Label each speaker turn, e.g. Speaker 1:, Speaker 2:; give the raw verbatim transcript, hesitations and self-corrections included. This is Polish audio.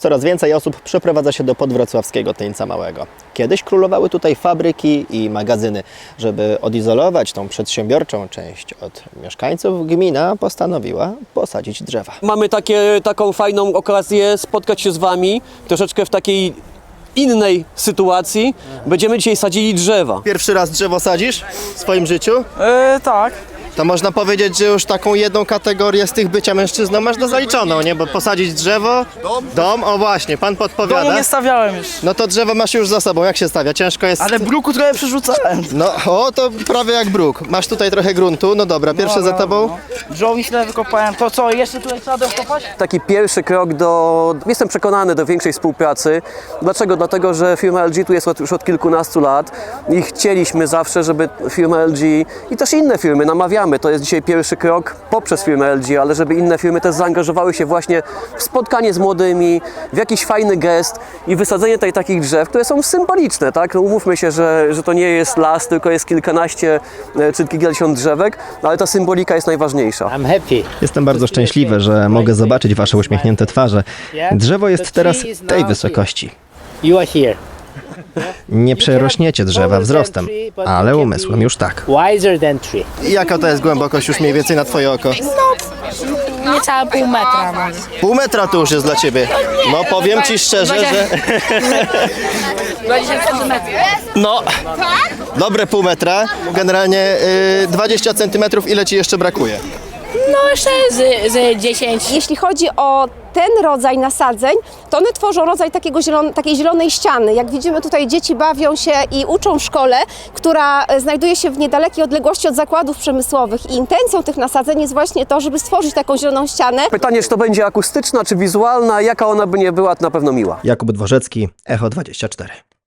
Speaker 1: Coraz więcej osób przeprowadza się do podwrocławskiego Tyńca Małego. Kiedyś królowały tutaj fabryki i magazyny. Żeby odizolować tą przedsiębiorczą część od mieszkańców, gmina postanowiła posadzić drzewa.
Speaker 2: Mamy takie, taką fajną okazję spotkać się z Wami troszeczkę w takiej innej sytuacji. Będziemy dzisiaj sadzili drzewa.
Speaker 1: Pierwszy raz drzewo sadzisz w swoim życiu?
Speaker 3: E, tak.
Speaker 1: To można powiedzieć, że już taką jedną kategorię z tych bycia mężczyzną masz do zaliczoną, nie? Bo posadzić drzewo, dom, dom o właśnie, pan
Speaker 3: Domu
Speaker 1: podpowiada.
Speaker 3: nie stawiałem już.
Speaker 1: No to drzewo masz już za sobą, jak się stawia? Ciężko jest...
Speaker 3: Ale bruku trochę przerzucałem.
Speaker 1: No, o, to prawie jak bruk. Masz tutaj trochę gruntu, no dobra, pierwsze za tobą.
Speaker 3: Drzewo źle wykopałem. To co, jeszcze tutaj trzeba dokopać?
Speaker 2: Taki pierwszy krok do, jestem przekonany, do większej współpracy. Dlaczego? Dlatego, że firma L G tu jest od, już od kilkunastu lat i chcieliśmy zawsze, żeby firma L G i też inne firmy, namawiamy, to jest dzisiaj pierwszy krok poprzez firmę L G, ale żeby inne firmy też zaangażowały się właśnie w spotkanie z młodymi, w jakiś fajny gest i wysadzenie tutaj takich drzew, które są symboliczne, tak? No umówmy się, że, że to nie jest las, tylko jest kilkanaście e, czy kilkadziesiąt drzewek, ale ta symbolika jest najważniejsza.
Speaker 4: I'm happy.
Speaker 1: Jestem bardzo szczęśliwy, że mogę zobaczyć wasze uśmiechnięte twarze. Drzewo jest teraz tej wysokości.
Speaker 4: You are here.
Speaker 1: Nie przerośniecie drzewa wzrostem, ale umysłem już tak.
Speaker 4: Wiser than tree.
Speaker 1: Jaka to jest głębokość już mniej więcej na twoje oko?
Speaker 5: Niecałe pół metra może.
Speaker 1: Pół metra to już jest dla ciebie. No powiem ci szczerze, że...
Speaker 5: dwadzieścia centymetrów.
Speaker 1: No, dobre pół metra. Generalnie y, dwadzieścia centymetrów. Ile ci jeszcze brakuje?
Speaker 5: No jeszcze z, z dziesięć.
Speaker 6: Jeśli chodzi o ten rodzaj nasadzeń, to one tworzą rodzaj takiego zielon, takiej zielonej ściany. Jak widzimy, tutaj dzieci bawią się i uczą w szkole, która znajduje się w niedalekiej odległości od zakładów przemysłowych. I intencją tych nasadzeń jest właśnie to, żeby stworzyć taką zieloną ścianę.
Speaker 2: Pytanie, czy to będzie akustyczna, czy wizualna, jaka ona by nie była, to na pewno miła.
Speaker 1: Jakub Dworzecki, Echo dwadzieścia cztery.